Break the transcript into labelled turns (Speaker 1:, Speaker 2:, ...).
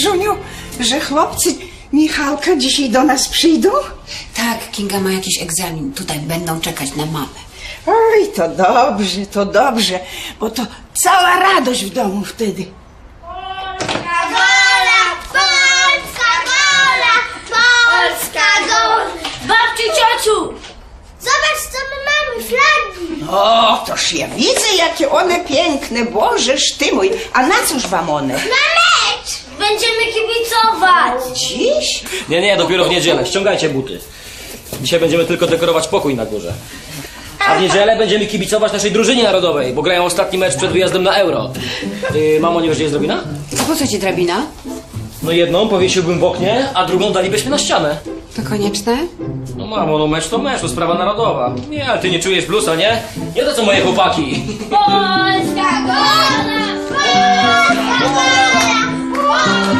Speaker 1: Żuniu, że chłopcy Michalka dzisiaj do nas przyjdą?
Speaker 2: Tak, Kinga ma jakiś egzamin. Tutaj będą czekać na mamę.
Speaker 1: Oj, to dobrze, bo to cała radość w domu wtedy.
Speaker 3: Polska wola, polska wola, polska wola. Babci, ciociu! Zobacz, co my mamy, flagi.
Speaker 1: O, toż ja widzę, jakie one piękne, Bożeż ty mój. A na cóż wam one?
Speaker 3: Na mecz! Będziemy kibicować.
Speaker 1: Dziś?
Speaker 4: Nie, dopiero w niedzielę. Ściągajcie buty. Dzisiaj będziemy tylko dekorować pokój na górze. A w niedzielę będziemy kibicować naszej drużynie narodowej, bo grają ostatni mecz przed wyjazdem na Euro. Mamo, nie wiesz, gdzie jest drabina?
Speaker 2: A po co ci drabina?
Speaker 4: No jedną powiesiłbym w oknie, a drugą dalibyśmy na ścianę.
Speaker 2: To konieczne?
Speaker 4: No mamo, no mecz, to sprawa narodowa. Nie, ale ty nie czujesz bluesa, nie? Nie to co moje chłopaki.
Speaker 3: Polska wola, polska wola, polska